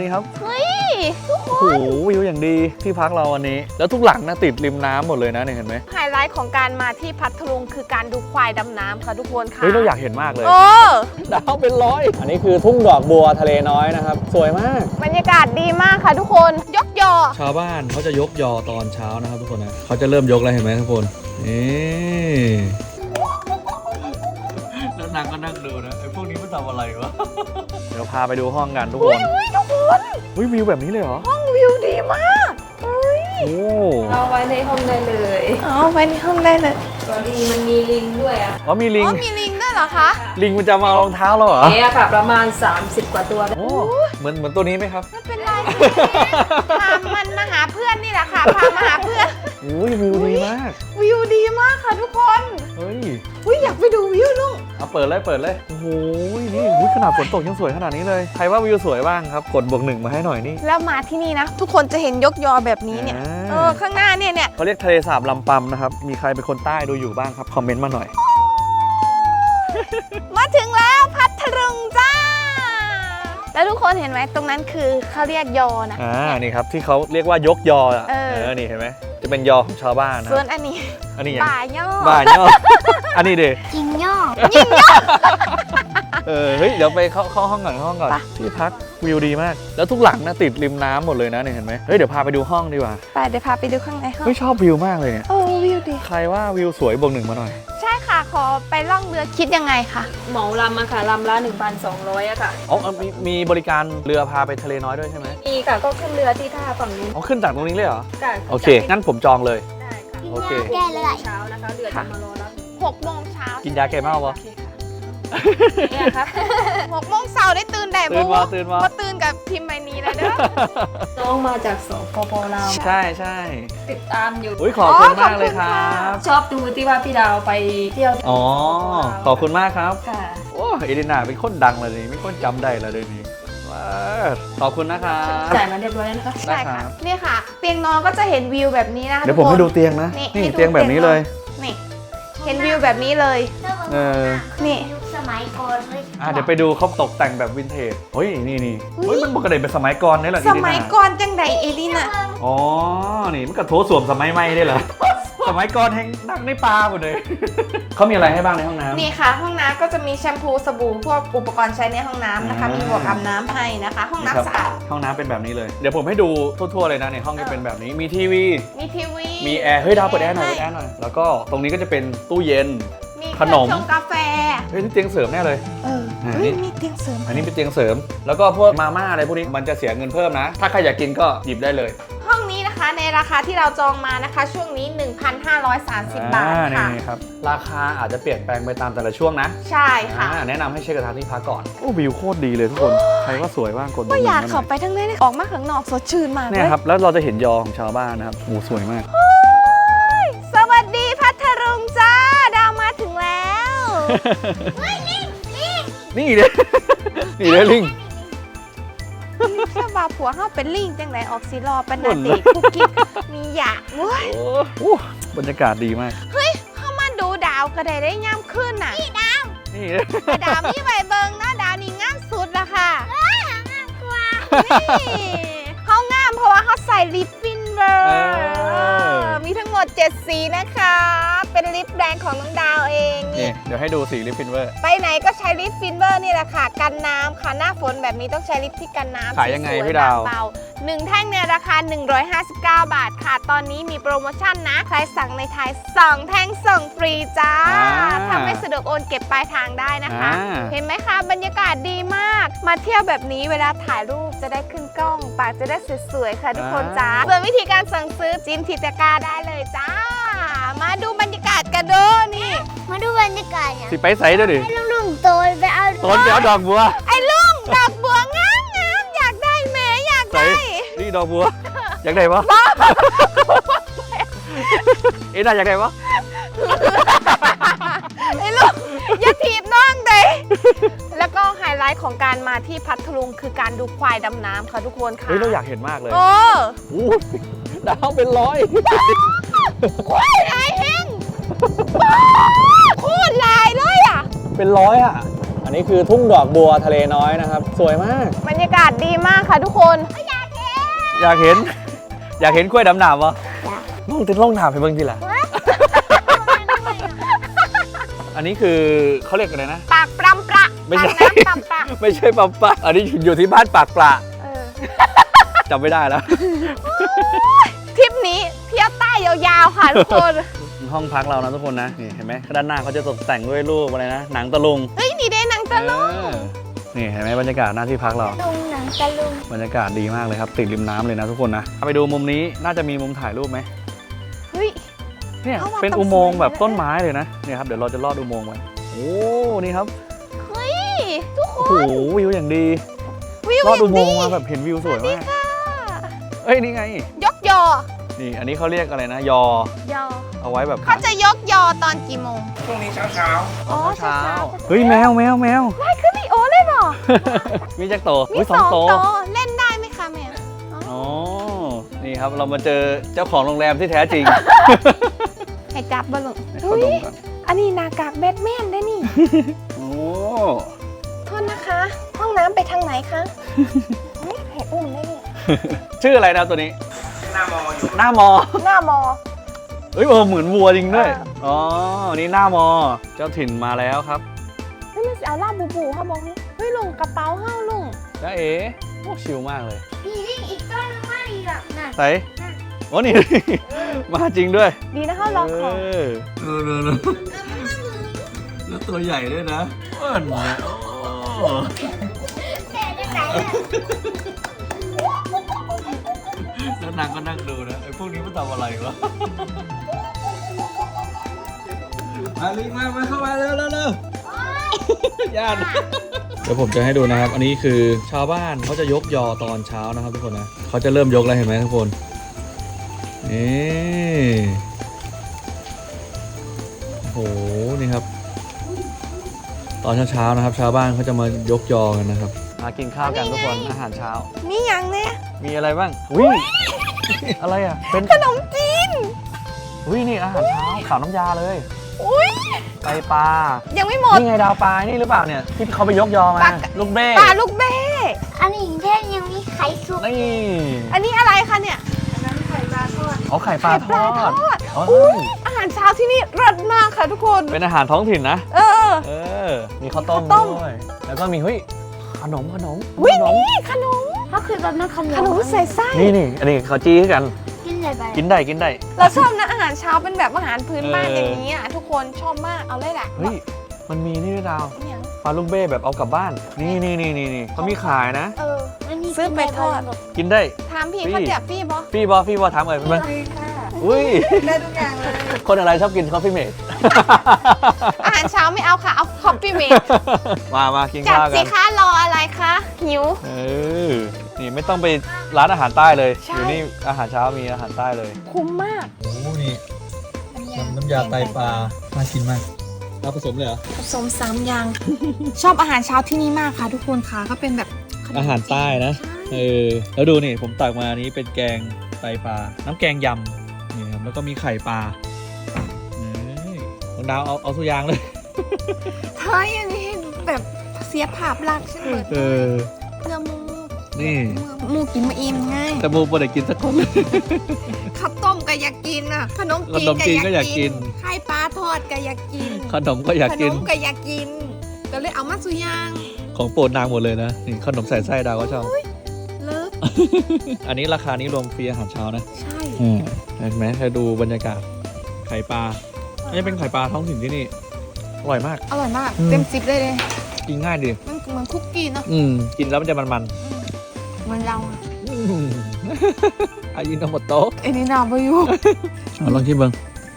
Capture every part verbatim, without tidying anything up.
นี่ครับเฮ้ยทุกคโอ้โหนวิวอย่างดีที่พักเราวันนี้แล้วทุกหลังนะติดริมน้ำหมดเลยนะเนี่ยเห็นไหมไฮไลท์ของการมาที่พัทลุงคือการดูควายดำน้ำค่ะทุกคนค่ะเฮ้ยเราอยากเห็นมากเลยโอ้ดาวเป็นร้อยอันนี้คือทุ่งดอกบัวทะเลน้อยนะครับสวยมากบรรยากาศดีมากค่ะทุกคนยกยอชาวบ้านเขาจะยกยอตอนเช้านะครับทุกคนนะเขาจะเริ่มยกแล้วเห็นไหมทุกคนนี่แล้วนางก็นั่งดูนะไอ้พวกนี้มันทำอะไรวะเดี๋ยวพาไปดูห้องกันทุกคนเฮ้ยทุกคนวิวิวแบบนี้เลยเหรอห้องวิวดีมากเฮ้ยโอ้เอาไว้ในห้องได้เลยอ๋อไปในห้องได้เลยตอนนี้มันมีลิงด้วยอ่ะอ๋อมีลิงอ๋อมีลิงด้วยเหรอคะลิงมันจะมาเอารองเท้าเราเหรอเอ๊ะค่ะประมาณสามสิบกว่าตัวได้โอ้เหมือนเหมือนตัวนี้ไหมครับไม่เป็นไรพามันมาหาเพื่อนนี่แหละค่ะพามาหาเพื่อนอุ้ยวิวดีมากวิวดีมากค่ะทุกคนเฮ้ยอุ้ยอยากไปดูวิวลุงเอาเปิดเลยเปิดเลยโอ้โหนี่อุ๊ยขนาดฝนตกยังสวยขนาดนี้เลยใครว่าวิวสวยบ้างครับกดบวกหนึ่งมาให้หน่อยนี่แล้วมาที่นี่นะ ทุกคนจะเห็นยกยอแบบนี้เนี่ยอ่าเออข้างหน้าเนี่ยเนี่ยเขาเรียกทะเลสาบลำปำนะครับมีใครเป็นคนใต้ดูอยู่บ้างครับคอมเมนต์มาหน่อยมาถึงแล้วพัทลุงจ้า แล้วทุกคนเห็นไหมตรงนั้นคือเขาเรียกยอนะอ่านี่ครับที่เขาเรียกว่ายกยออ่ะเออนี่เห็นไหมจะเป็นยอของชาวบ้านนะส่วนอันนี้อันนี้อย่างป่ายอบ้านยอ อันนี้เด็ยิงย่อเออเฮ้ยเดี๋ยวไปเข้าเข้าห้องก่อนเข้าห้องก่อนไปที่พักวิวดีมาก แล้วทุกหลังนะติดริมน้ำหมดเลยนะเนี่ยเห็นไหมเฮ้ยเดี๋ยวพาไปดูห้องดีกว่าไปเดี๋ยวพาไปดูข้างในห้องเฮ้ยชอบวิวมากเลยเนี่ยโอ้วิวดีใครว่าวิวสวยบวกหนึ่งมาหน่อยใช่ค่ะขอไปล่องเรือคิดยังไงคะเหมาลำอะค่ะลำละหนึ่งพันสองร้อยอะค่ะอ๋อมีมีบริการเรือพาไปทะเลน้อยด้วยใช่ไหมมีค่ะก็ขึ้นเรือที่ท่าฝั่งนู้นอ๋อขึ้นจากตรงนี้เลยเหรอค่ะโอเคงั้นผมจองเลยได้ค่ะโอเคแก้เลยเช้านะคะเรือจะมารอรับหกโมงเช้ากินยาแก้เมาปะเนี่ยค่ะหกโมงเช้าได้ตื่นได้ตื่นมาตื่นมาพอตื่นกับพิมพ์ใบนี้แล้วเด้อน้องมาจากสปปลาวใช่ใช่ติดตามอยู่อุ้ยขอบคุณมากเลยครับชอบดูที่ว่าพี่ดาวไปเที่ยวอ๋อขอบคุณมากครับค่ะโอ้เอดินาเป็นคนดังเลยนี่ไม่คนจำได้แล้วเดี๋ยวนี้ว้าวขอบคุณนะครับจ่ายมาเรียบร้อยแล้วนะคะได้ใช่ครัค่ะบนี่ค่ะ เตียงนอนก็จะเห็นวิวแบบนี้นะคะเดี๋ยวผมให้ดูเตียงนะนี่นี่ให้ดูเตียงแบบนี้เลยนี่ เห็นวิวแบบนี้เลยเออนี่สมัยก่อนเลยอ่ะเดี๋ยวไปดูเขาตกแต่งแบบวินเทจเฮ้ยนี่นี่อุ๊ยเฮ้ยมันปกติเป็นสมัยก่อนนี่แหละสอีดินามัยก่อนจังใดเอลิน่ะอ๋อนี่มันก็โถสวมสมัยใหม่ได้เหรอ สมัยก่อนแห่งนั่งในป่าหมดเลย เขามีอะไรให้บ้างในห้องน้ำนี่ค่ะ ห้องน้ำก็จะมีแชมพูสบู่พวกอุปกรณ์ใช้ในห้องน้ำนะคะอ่ามีมีหมวกอาบน้ำให้นะคะ ห้องนี่ครับน้ำสะอาดห้องน้ำเป็นแบบนี้เลย เดี๋ยวผมให้ดูทั่วๆเลยนะในห้องจะเป็นแบบนี้มีทีวีมีทีวีมีแอร์เฮ้ยดาวเปิดแอร์หน่อยเปิดแอร์หน่อยแล้วก็ตรงนี้ก็จะเป็นตู้เย็นมีเคขนรื่องมชงกาแฟเฮ้ยนี่เตียงเสริมแน่เลยเอออ่าเฮ้ยนี่มีเตียงเสริมอันนี้เป็นเตียงเสริม แล้วก็พวกมาม่าอะไรพวกนี้มันจะเสียเงินเพิ่มนะ ถ้าใครอยากกินก็หยิบได้เลยห้องนี้นะคะในราคาที่เราจองมานะคะ ช่วงนี้ หนึ่งพันห้าร้อยสามสิบ บาทอ่ค่ะนี่ครับราคาอาจจะเปลี่ยนแปลงไปตามแต่ละช่วงนะใช่ค่ะอ่าแนะนำให้เช็คกระทางที่พักก่อนโอ้วิวโคตรดีเลยทุกคน ใครว่าสวยบ้างกดก็อยากบวหนึ่งเข้าไปทั้งนี้เลยออกมาข้างนอกสดชื่นมากเลเนี่ยยครับแล้วเราจะเห็นยอของชาวบ้านนะครับโอ้สวยมากสวัสดีพัทลุงจ้า ดาวมาถึงแล้วนี่เลยนี่เลยลิงเชื่อว่าผัวเขาเป็นลิงจังไหนออกสีรอเป็นบ่นานเลเด็ยกคุกกิ๊กมีหยาเว้ยโอ้โหบรรยากาศดีมากเข้ามาดูดาวก็ได้ได้ย่ำขึ้นน่ะนี่เลยแต่ดาวมีใบเบิงนะดาวนี่งามสุดละค่ะนี่เขางามเพราะว่าเขาใส่ลิปฟินเวอร์มีทั้งหมดเจ็ดสีนะคะ เป็นลิปแบรนด์ของน้องดาวเองนี่นี่เดี๋ยวให้ดูสีลิปฟินเวอร์ไปไหนก็ใช้ลิปฟินเวอร์นี่แหละค่ะ กันน้ำค่ะหน้าฝนแบบนี้ต้องใช้ลิปที่กันน้ำขายยังไงสวพี่ดาวเบาๆหนึ่งแท่งเนี่ยราคา หนึ่งร้อยห้าสิบเก้า บาทค่ะ ตอนนี้มีโปรโมชั่นนะ ใครสั่งในไทยสองแท่งส่งฟรีจ้า ถ้าไม่สะดวกโอนเก็บปลายทางได้นะคะอ่าเห็นไหมคะบรรยากาศดีมาก มาเที่ยวแบบนี้เวลาถ่ายรูปจะได้ขึ้นกล้อง ปากจะได้สวยๆค่ะทุกคนจ้าส่วนวิธีการสั่งซื้อจิ้มที่ตะกร้าได้เลยจ้า มาดูบรรยากาศกันเด้อนี่มาดูบรรยากาศเนี่ยสิไปใส่ด้วยดิให้ลุงๆโตยไปเอาต้นเดี๋ยวดอกบัวไอ้ลุงดอกบัวงามงามอยากได้แหมอยากใส่ได้นี่ดอกบัว อยากได้ปะเอ็น่าอยากได้ปะไอ้ลุงอย่าถีบน้องเด้แล้วก็ไฮไลท์ของการมาที่พัทลุงคือการดูควายดำน้ำค่ะทุกคนค่ะเฮ้ยเราอยากเห็นมากเลยโอ้โอ้ยดาวเป็นร้อยควายลายแห้งโคตรลายเลยอ่ะเป็นร้อยอ่ะอันนี้คือทุ่งดอกบัวทะเลน้อยนะครับสวยมากบรรยากาศดีมากค่ะทุกคนอยากเห็น อยากเห็นกล้วยดำหนามวะลองติดลองถามให้เบิ่งทีละอันนี้คือเขาเรียกอะไรนะปากปรำประไม่ใช่ปากน้ำปรำประไม่ใช่ปั๊มปะอันนี้อยู่ที่บ้านปากปลาเออจำไม่ได้แล้วทริปนี้เที่ยวใต้ยาวๆค่ะทุกคนห้องพักเรานะทุกคนนะนี่เห็นไหมด้านหน้าเขาจะตกแต่งด้วยรูปอะไรนะหนังตะลุงเฮ้ยนี่ได้หนังตะลุงเออนี่เห็นไหมบรรยากาศหน้าที่พักเราลุงหนังตะลุงบรรยากาศดีมากเลยครับติดริมน้ำเลยนะทุกคนนะเอาไปดูมุมนี้น่าจะมีมุมถ่ายรูปไหมเฮ้ยเนี่ยเอามาเป็นทำอุโมงค์สวยแบบเลยต้นไม้เลยนะเนี่ยครับเดี๋ยวเราจะลอดอุโมงค์ไว้โอ้นี่ครับเฮ้ยทุกคโอ้โหนวิวอย่างดีวิวลอดออุย่างโมดีงค์มาแบบเห็นวิวสวยมากค่ะเอ้ยนี่ไงยกยอนี่อันนี้เขาเรียกอะไรนะยอยอเอาไว้แบบเขาจะยกยอตอนกี่โมงพรุ่งนี้เช้าเช้าอ๋อเช้าเฮ้ยแมวแมวแมวได้ขึ้นอีโอเลยเหรอมีจักรโตมีอุ้ยสสออง งโตโตเล่นได้ไหมคะแม่อ๋อนี่ครับเรามาเจอเจ้าของโรงแรมที่แท้จริงให้จับบอลลูนให้เฮ้เขาดยมก่อนอันนี้หนากากแบทแมนได้นี่โอ้โทษนะคะ ห้องน้ำไปทางไหนคะเฮ้ยให้อุ้มได้เนี่ยชื่ออะไรนะตัวนี้หน้ามออยู่หน้ามอหน้ามอเอ้ยเออเหมือนวัวจริงด้วยอ่าอ๋อ นี่หน้ามอ เจ้าถิ่นมาแล้วครับเฮ้ยมันสิเอาล่าบูบูเขาบอกเฮ้ยลุงกระเป๋าเฮ้าลุงจ้าเอ๋โอ้ชิลมากเลยมีนี่อีกต้นนึงไม่อีกอ่ะน่ะใส่โอ้นี่ มาจริงด้วยดีนะเขาลองของเออเออเออแล้วตัวใหญ่ด้วยนะอ้วนนะโอ้แต่จะไหนอ่ะแล้วนางก็นั่งดูนะไอ้พวกนี้มันทำอะไรวะ มาลิมามาเข้ามาเร็วเร็วเร็วย่านเดี๋ยวผมจะให้ดูนะครับ อันนี้คือชาวบ้านเขาจะยกยอตอนเช้านะครับทุกคนนะเขาจะเริ่มยกแล้วเห็นไหมทุกคนนี่โอ้โหนี่ครับ ตอนเช้าๆนะครับ ชาวบ้านเขาจะมายกยอกันนะครับมากินข้าวกันทุกคนอาหารเช้านี่ยังเนี่ยมีอะไรบ้างอุ้ยอะไรอ่ะเป็นขนมจีนอุ้ยนี่อาหารเช้าขาวน้ำยาเลยอุ้ยไตปลายังไม่หมดนี่ไงดาวปลานี่หรือเปล่าเนี่ยที่เขาไปยกยอมาปลาลูกเบ้ปลาลูกเบ้อันนี้แท่ยังมีไข่สุกนี่อันนี้อะไรคะเนี่ยเอาไข่ปลาทปลาอทดอดอ๋ออุ้ยอาหารเช้าที่นี่รสมากค่ะทุกคนเป็นอาหารท้องถิ่นนะเออเออ มีข้าวต้มข้าวต้มด้วย แล้วก็มีเฮ้ยขนมขนมอุ้ยขนมนี่ขนมเขาคือแบบนั้นขนมขนมใส่ไส้นี่นี่อันนี้เขาจี้ให้กันกินอะไรไปกินได้กินได้เราชอบนะอาหารเช้าเป็นแบบอาหารพื้นบ้านเออออย่างนี้อ่ะทุกคนชอบมากเอาเลยแหละเฮ้ย มันมีนี่ด้วยดาวเนี่ยปลาลูกเบ้แบบเอากลับบ้าน นี่นี่นี่นี่นี่เขามีขายนะเอออันนี้ซื้อไปทอดกินได้ถามพี่ฟรีเขาเจ็บพี่บอฟี่บอฟี่บอถามเอ่ยมันอุ้ยได้ทุกอย่างเลยคนอะไรชอบกินคอฟฟี่เมดอาหารเช้าไม่เอาค่ะ เอาคอฟฟี่เมดมามากินจัดข้าวกัสินคะรออะไรคะหิวเออ นี่ไม่ต้องไปร้านอาหารใต้เลยใช่อยู่นี่อาหารเช้ามีอาหารใต้เลยคุ้มมากโอ้นี่น้ำยาไตปลาน่ากินมากเราผสมเลยเหรอผสมสามอย่าง ชอบอาหารเช้าที่นี่มากค่ะ ทุกคนค่ะเขาเป็นแบบขนมอาหารใต้นะ เออ แล้วดูนี่ผมตักมาอันนี้เป็นแกงไตปลา น้ำแกงยำ นี่ครับ แล้วก็มีไข่ปลาเอ้ยน้องดาวเอาเอาทุกอย่างเลยเฮ้ยอันนี้แบบเสียภาพลักษณ์ฉันเปิดเออเนื้อหมูนี่เนื้อหมูกินมาอิ่มง่ายแต่โมปวดกินสักคนเลยข้าวต้มก็อยากกินอ่ะขนมจีนขนมจีนก็อยากกินไข่ปลาทอดก็อยากกินขนมก็อยากขกินนมก็อยากกิน ก็เลยเอามาสุยางของโปรดนางหมดเลยนะ นี่ขนมใส่ไส้ดาวก็ชอบเลิฟอันนี้ราคานี้รวมฟรีอาหารเช้านะใช่อืมเห็นไหมเธอดูบรรยากาศ ไข่ปลาอันนี้เป็นไข่ปลาท้องถิ่นที่นี่ อร่อยมากอร่อยมากอืมเต็มสิบเลยเลยกินง่ายดีมันเหมือนคุกกี้เนาะอืม กินแล้วมันจะมันเหมือนเราอะๆอืม อายิโนโมโตะไอ้นี่นาบอยู่เอาลองชิมเบิ้ง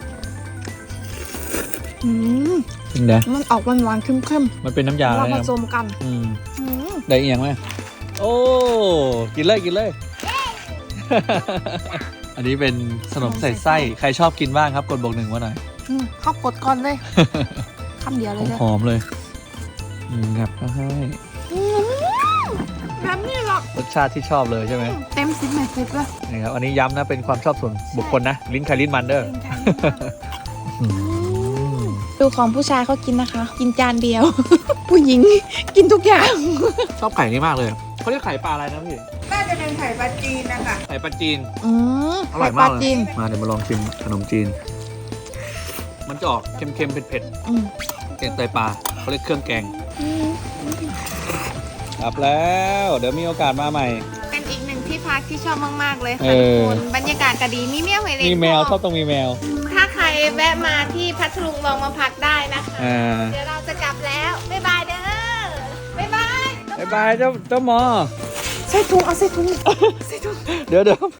อืมจริงเด้มันออกหวานๆเข้มมันเป็นน้ำยาๆอะไรเราผนะสมกันอืมอืมได้อีกอย่างไหมโอ้ กินเลยกินเลย อันนี้เป็นขนมใส่ไส้ ใครชอบกินบ้างครับ กดบอกหนึ่งว่าหน่อยอืมเข้ากดก่อนเลยคำเดียวเลยเด้อหอมๆเลย อืมครับก็ให้อืมแบบนี้หรอกรสชาติที่ชอบเลยใช่ไหมเต็มสิบไม่สิบเลยนี่ครับ อันนี้ย้ำนะ เป็นความชอบส่วนบุคคลนะ ลิ้นใครลิ้นมันเด้อเป็นไงอืมดูของผู้ชายเขากินนะคะ กินจานเดียว ผู้หญิงกินทุกอย่างชอบไข่นี้มากเลยเขาเรียกไข่ปลาอะไรนะพี่น่าจะเป็นไข่ปลาจีนนะคะไข่ปลาจีนอืมอร่อยไข่ปมาลากเลยจีนมาเดี๋ยวมาลองชิมขนมจีน มันจะออกเค็มๆเผ็ดอืมๆแกงไตปลาเขาเรียกเครื่องแกงครับแล้ว เดี๋ยวมีโอกาสมาใหม่เป็นอีกหนึ่งที่พักที่ชอบมากๆเลยเอค่ะทุกอคนบรรยากาศก็ดีมีแมวให้เล่นมีแมวชอบต้องมีแมวถ้าใครแวะมาที่พัทลุงลองมาพักได้นะคะอ่าเดี๋ยวเราจะกลับแล้ว บ๊ายบายเด้อ บ๊ายบายบ๊ายบายเจ้าเจ้าหมอใส่ถุงเอาใส่ถุงเดี๋ยวเดี๋ยว